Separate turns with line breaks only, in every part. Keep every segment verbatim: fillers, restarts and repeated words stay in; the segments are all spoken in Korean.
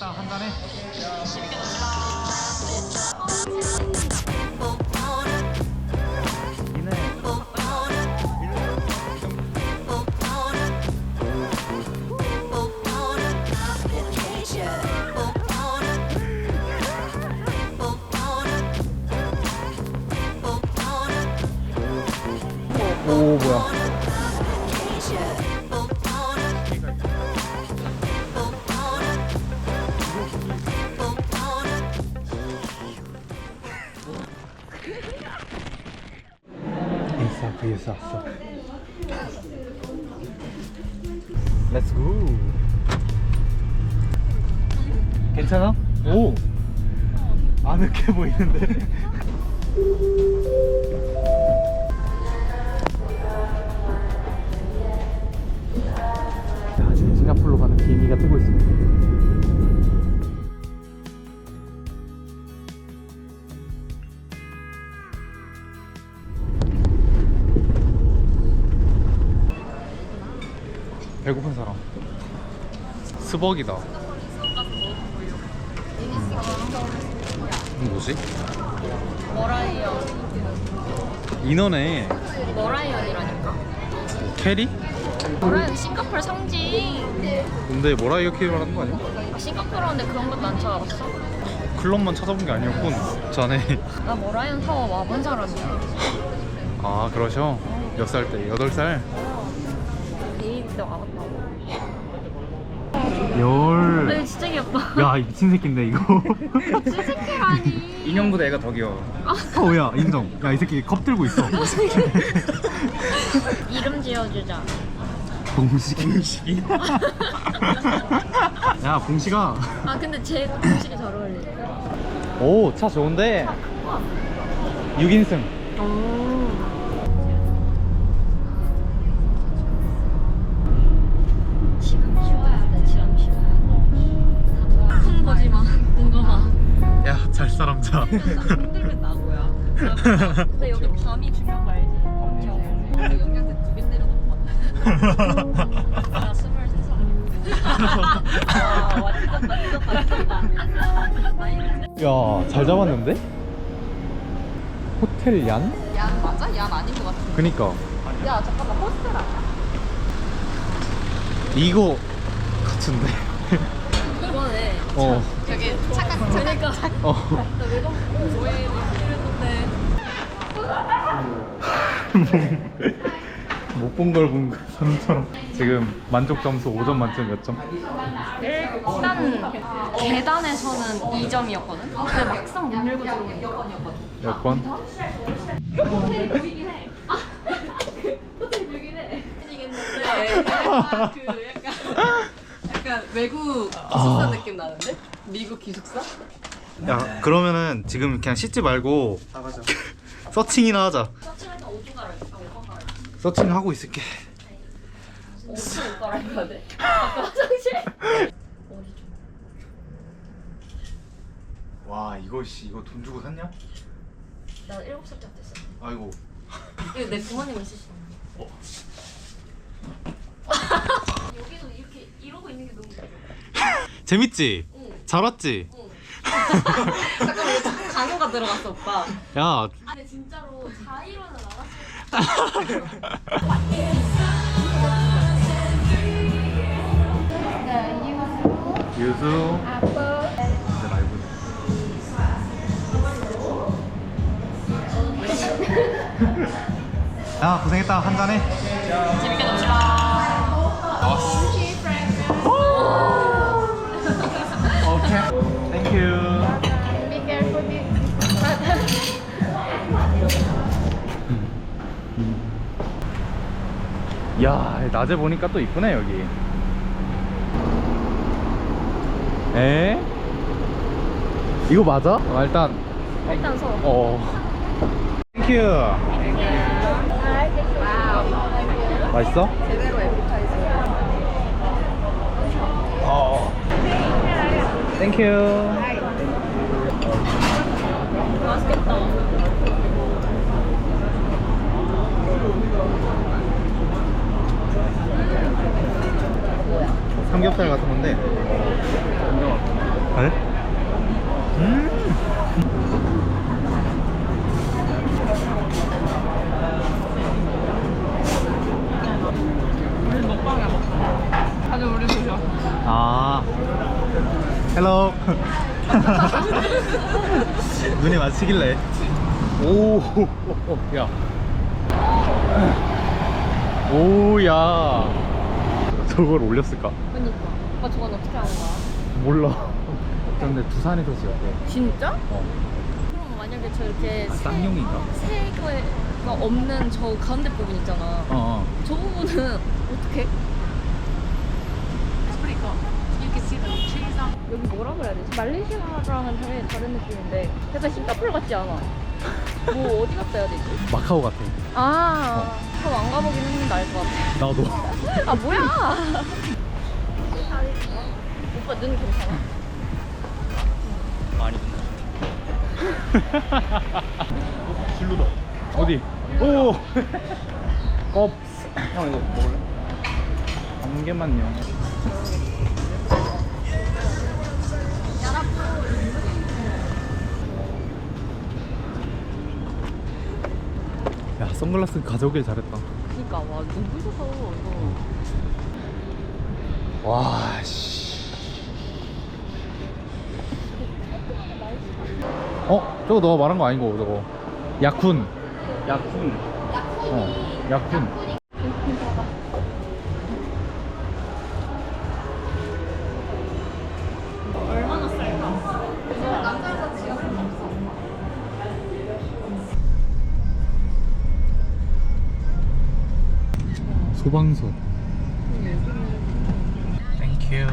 고생했다. 한잔해.
재밌게 놉시다.
오 뭐야? 인싸 vs 아싸. 렛츠 고. 괜찮아? 오. 아늑해 보이는데. 야, 지금 싱가포르로 가는 비행기가 뜨고 있습니다. 배고픈 사람. 스벅이다. 음, 뭐지?
머라이언.
인어네.
머라이언이라니까.
캐리?
머라이언 싱가포르 상징.
근데 뭐라 이렇게 말하는 거 아니야?
싱가포르인데 그런 것도 안 찾아봤어?
클럽만 찾아본 게 아니었군. 자네.
나 머라이언 타워 와본 사람이야.
아 그러셔? 몇 살 때? 여덟 살?
데이비 때 와봤다고.
열.
네, 진짜 귀엽다.
야, 이 미친 새끼인데 이거.
미친 새끼라니.
인형보다 애가 더 귀여워. 어, 야, 인정. 야, 이 새끼 겁 들고 있어.
이름 지어주자.
봉식이. 봉식이. 야, 봉식아.
아 근데 제 공식이 잘 어울려.
오, 차 좋은데. 육 인승.
오. 지금 쉬어야 돼. 지금 쉬어야 돼. 큰 거지 마. 뭔가 봐.
야, 잘 사람 자.
흔들면 나고야. 근데 여기 밤이 중요한 거 알지? 그렇죠. 여기한테 두 개 때려놓고 왔다. 나 스물세 살. 와, 완전 완전
야, 잘 잡았는데? 호텔 얀?
얀 맞아? 얀 아닌 것 같은데.
그니까.
야 잠깐만 호스텔 아니야?
이거 같은데.
이거네.
어.
저기 착각 착각.
어.
나 외국 뭐해 이랬는데.
못 본 걸 본 사람처럼. 지금 만족 점수 오 점 만점 몇 점?
일단 계단에서는 이 점이었거든. 근데 막상 문 열고 들어오면 여건이었거든.
여권?
호텔이 보이긴 해. 아, 호텔이 보이긴 해. 생기겠는데. 아, 그 약간 약간 외국 기숙사 느낌 나는데? 미국 기숙사?
야, 그러면은 지금 그냥 씻지 말고 서칭이나 하자.
서칭할 때 오줌 갈아입어. 아, 오줌 갈아입어.
서칭 하고 있을게.
옷을 옷 갈아입어야 돼. 아까 화장실? 어디 좀.
와, 이거 씨, 이거 돈 주고 샀냐?
나 일곱 살 때부터 했어.
아이고.
이거 내 부모님이 쓰시는 거.
어.
여기서 이렇게 이러고 있는 게 너무 웃겨.
재밌지?
응.
잘 왔지?
응. 잠깐만 이거 자꾸 강요가 들어갔어 오빠.
야,
근데 진짜로 자이로는 알았어.
유수. 이제 말고. 야, 고생했다. 한잔해.
재밌게 놉시다.
나왔어. 오케이. 땡큐. 야, 낮에 보니까 또 이쁘네 여기. 에? 이거 맞아? 아, 일단
일단 서.
어. 땡큐. 맛있어?
제대로 에피타이저.
어. 땡큐.
맛있겠다.
삼겹살 같은 건데. 네? 음.
우리 먹방이야 먹방. 다들 우리 보셔.
아, 헬로. 눈이 맞히길래. 오, 야. 오, 야. 저걸 올렸을까?
그니까. 오빠 저건 어떻게 하는 거야?
몰라. 근데 두산에서 지었대.
진짜?
어.
그럼 만약에 저 이렇게
아, 쌍용인가?
세 개가 없는 저 가운데 부분 있잖아.
어, 어.
저 부분은 어떻게? 여기 뭐라 그래야 되지? 말레이시아랑은 당연히 다른 느낌인데 약간 싱가포르 같지 않아? 뭐 어디 갔다 해야 되지?
마카오 같아.
아 그럼 안 가보긴 했는데 알 것 같아.
나도.
아 뭐야? 오빠 눈 괜찮아?
많이 진루다. 어디? 오. 껍스. 형 이거 먹을래? 한 개만요. 야, 선글라스 가져오길 잘했다.
그니까 와 눈부셔서 이거.
와, 씨. 어? 저거 너가 말한 거 아니고 저거 약훈. 약훈. 어, 약훈.
얼마나 쌀까? 남자에서 지갑은 없어.
소방서. 땡큐.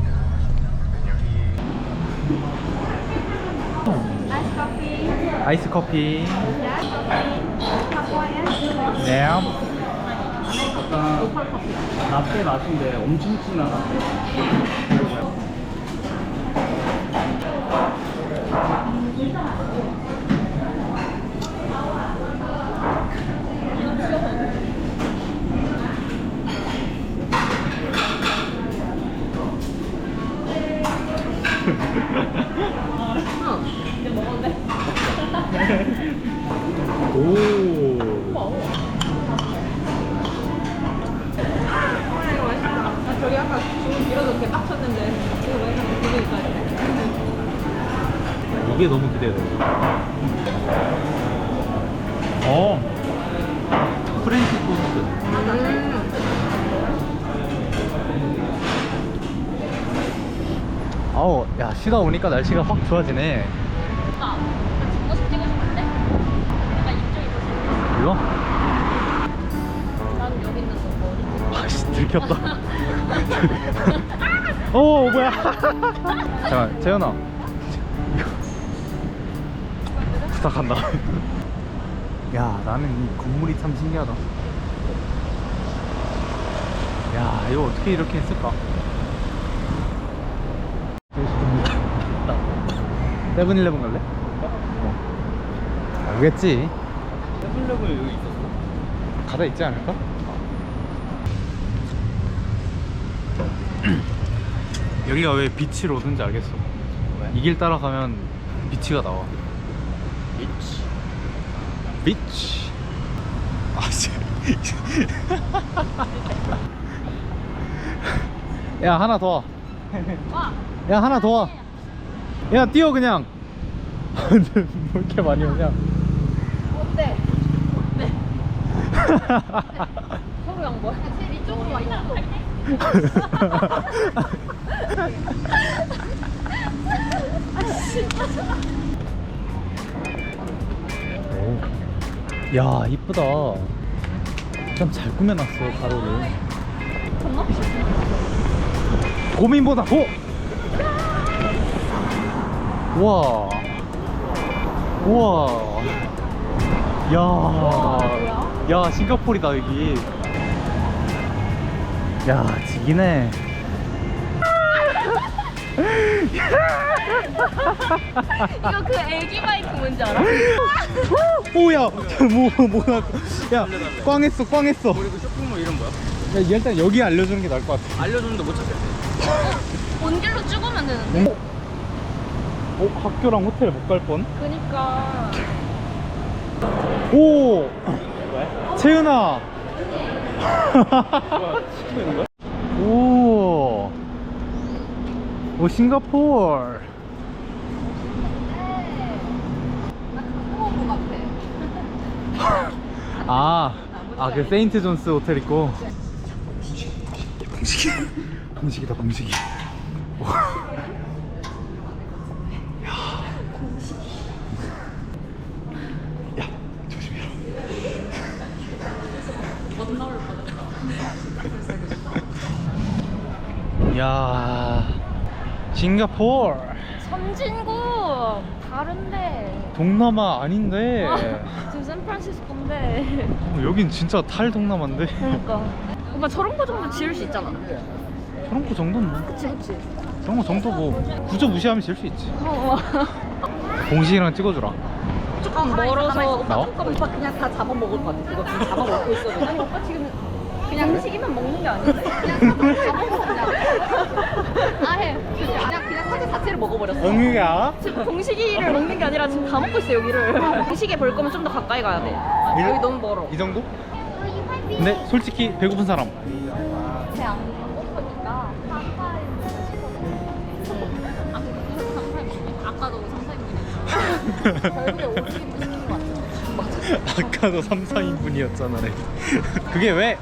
아이스 커피. 네.
약간 라떼 맛인데 엄청 진한 라떼.
이제 먹었는데?
오.
이거 맛있다. 나 저기 아까 주문 밀어서 이렇게 딱 쳤는데 이거 왜 이렇게 기분이니까
이게 너무 기대돼. 어. 프렌치 토스트.
음.
아우, 야, 쉬다 오니까 날씨가 확 좋아지네.
오빠 나 뒷모습 찍고 싶은데? 약간 이쪽이 더 재밌어.
이거?
나는 여기 있는 거 어디?
아씨, 들켰다. 오, 뭐야. 잠깐, 재현아. 부탁한다. 야, 나는 이 건물이 참 신기하다. 야, 이거 어떻게 이렇게 했을까? 세븐일레븐 갈래? 어. 알겠지.
세븐일레븐 여기 있었어?
가다 있지 않을까? 여기가 왜 비치 로드인지 알겠어.
왜?
이 길 따라가면 비치가 나와.
있지.
비치. 아, 씨. 야, 하나 더 와.
와.
야, 하나 더 와. 야, 뛰어 그냥. 뭐 이렇게 많이 오냐?
어때? 어때? 서로 양보해. 제일 이쪽으로 와 이쪽으로.
오. 야, 이쁘다. 참 잘 꾸며놨어, 가로를.
정말?
고민보다 고! 우와. 우와. 야. 야, 싱가포르다, 여기. 야, 지기네.
이거 그 애기 바이크 뭔지 알아?
오야. 뭐 뭐야. 야, 꽝했어, 꽝했어.
우리 그 쇼핑몰 이름 뭐야?
야, 일단 여기 알려주는 게 나을 것 같아.
알려줬는데 못 찾겠어.
온 길로 쭉 오면 되는데.
어? 학교랑 호텔 못 갈 뻔?
그니까.
오!
왜?
채은아!
뭐야, 시키고 있는 거야?
오! 오, 싱가포르! 아, 아, 그 세인트 존스 호텔 있고. 방식이, 방식이다, 방식이. 야, 조심해라.
못 나올 뻔했다.
야, 싱가포르.
선진국 다른데.
동남아 아닌데.
지금 샌프란시스코인데.
어, 여긴 진짜 탈 동남아인데.
그러니까. 오빠 저런 거 정도 지을 수 있잖아.
저런 거 정도는 뭐.
그치 그치.
저런 거 정도 뭐 구조 무시하면 질 수 있지.
어.
공식이랑 찍어주라.
조금 멀어서
나와?
오빠 그냥 다 잡아먹을 것 같아. 그거 지금 잡아먹고 있어도. 아니 오빠 지금 그냥 음식이면 먹는 게 아닌데. 그냥 잡아먹어 그냥. 아예 그냥 그냥 사제 자체를 먹어버렸어.
응유야.
지금 공식이를 먹는 게 아니라 지금 다 먹고 있어 여기를. 공식에 볼 거면 좀 더 가까이 가야 돼.
이리-
여기 너무 멀어.
이 정도? 근데 솔직히 배고픈 사람.
배안 고프니까 아까도 삼, 사인분이었잖아. 결국에 오십 인분 시킨 거 같아.
아까도 삼, 사 인분이었잖아. 그게 왜?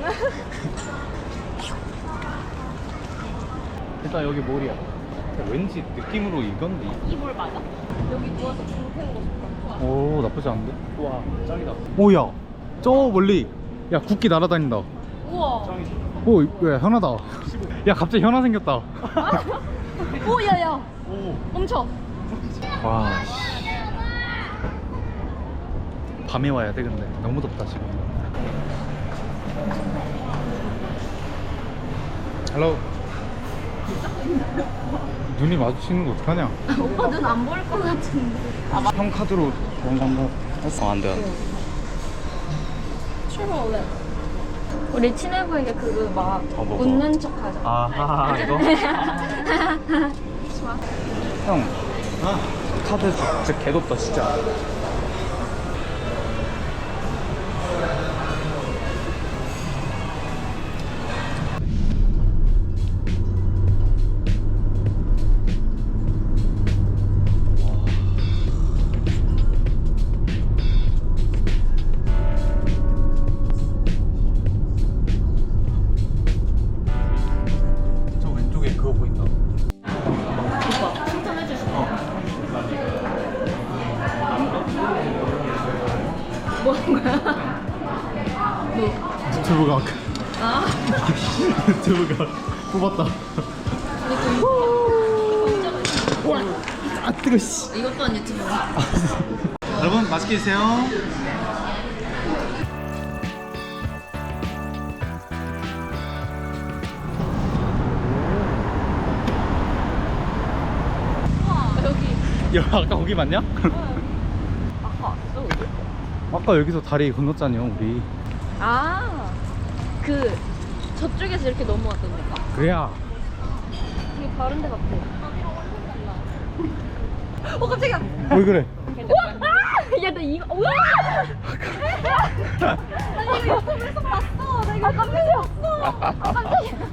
일단 여기 몰이야. 왠지 느낌으로 이건데.
이볼 맞아? 여기 누워서 중 태우고 싶다.
오, 나쁘지 않은데?
와, 짱이다.
오야, 저 멀리. 야, 국기 날아다닌다.
우와.
짱이지.
오, 야, 현아다. 야, 갑자기 현아 생겼다.
오 야야.
오.
멈춰.
와, 씨. 밤에 와야 돼, 근데. 너무 덥다, 지금. 헬로. 눈이 마주치는 거 어떡하냐?
오빠 눈 안 보일 것 같은데.
형 카드로 돈 산거 했어. 어, 안 돼, 안 돼.
출발할래. 우리 친해 보이게 그거 막
어, 뭐가?
웃는 척 하자.
아하, 이거?
좋아.
형, 아, 카드 진짜 개덥다, 진짜. 저 왼쪽에 그거 보인다.
오빠 칭찬해줄 수 있어. 뭐 하는 거야? 뭐?
유튜브 각.
아?
유튜브 각. 뽑았다. 와, 아 뜨거 씨.
이것 또한 유튜브야.
여러분 맛있게 드세요.
여기.
야, 아까 거기 맞냐?
아까 왔어 여기?
아까 여기서 다리 건넜잖아요, 우리.
아, 그 저쪽에서 이렇게 넘어왔던 데가.
그래야.
되게 다른 데 같아. 어 깜짝이야.
왜 그래?
우와! 아! 야, 나 이거 우와! 나 이거 유튜브에서 봤어. 나 이거 아, 깜짝이야. 아, 깜짝이야.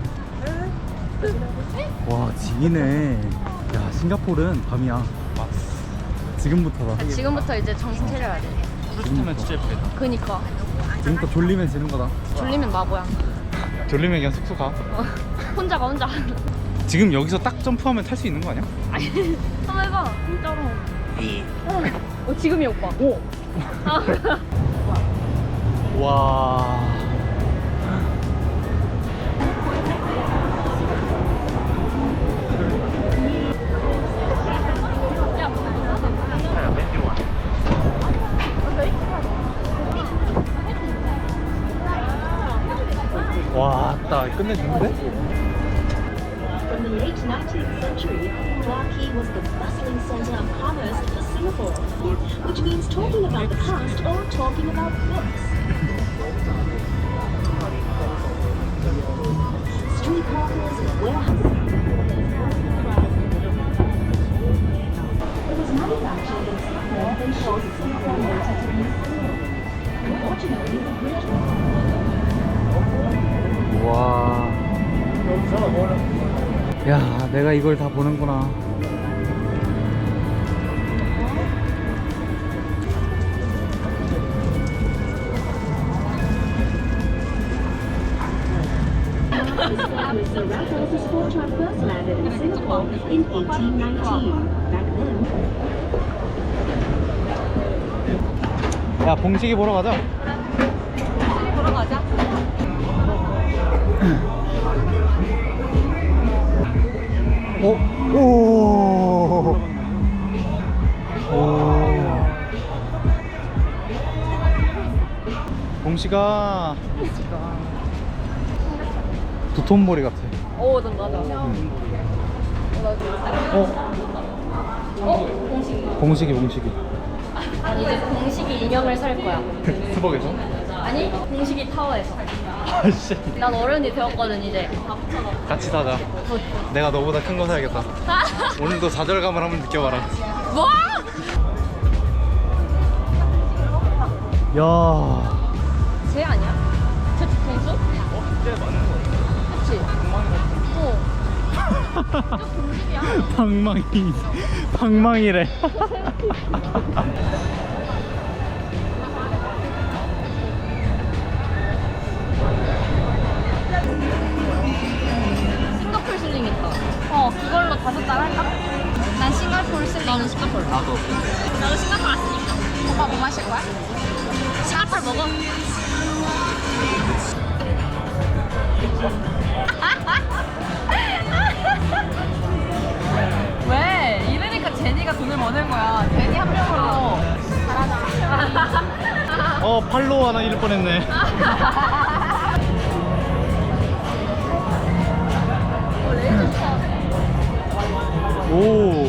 와, 지기네. 야, 싱가포르는 밤이야. 지금부터다.
지금부터 이제 정신 차려야 돼.
프루스타면 진짜 예쁘겠다.
그니까
지금부터 졸리면 지는 거다.
졸리면 마보야.
졸리면 그냥 숙소 가.
어, 혼자가 혼자.
지금 여기서 딱 점프하면 탈 수 있는 거 아니야?
아니, 한번 해봐. 진짜로. 어, 지금이 오빠.
오.
아.
와. 와, 딱 끝내주는데?
From the late nineteenth century, Clarke Quay was the bustling center of commerce for Singapore, which means talking about the past or talking about books. Street hawkers, warehouses,
내가 이걸 다 보는구나.
Was the Raffles Sport Truck first landed in Singapore in eighteen nineteen. Back then,
야, 봉식이 보러 가자.
보러 가자.
오, 오, 오. 봉식아. 두톤머리 같아.
오, 난 맞아.
어?
어? 공식이.
봉식이, 봉식이.
아니, 이제 공식이 인형을 살 거야.
스벅에서?
아니, 공식이 타워에서.
아씨.
난 어른이 되었거든, 이제. 다 붙여놓고.
같이 사자. 내가 너보다 큰 거 사야겠다. 오늘도 좌절감을 한번 느껴봐라.
뭐?
야.
쟤 아니야? 쟤 뒤통수?
어? 쟤 맞는 거 같아.
그치?
엉망이 같아.
어. 저 공식이야.
방망이. 방망이래.
싱가폴 슬링 있다. 어, 그걸로 다섯 달 할까? 난 싱가폴 슬링. 나는 싱가폴.
나도.
나도 싱가폴 왔으니까. 오빠 뭐 마실 거야? 싱가폴 먹어. 왜? 이러니까 제니가 돈을 버는 거야. 제니 한 명으로. 잘하자.
어, 팔로우 하나 잃을 뻔했네.
어, 레이저 차.
오.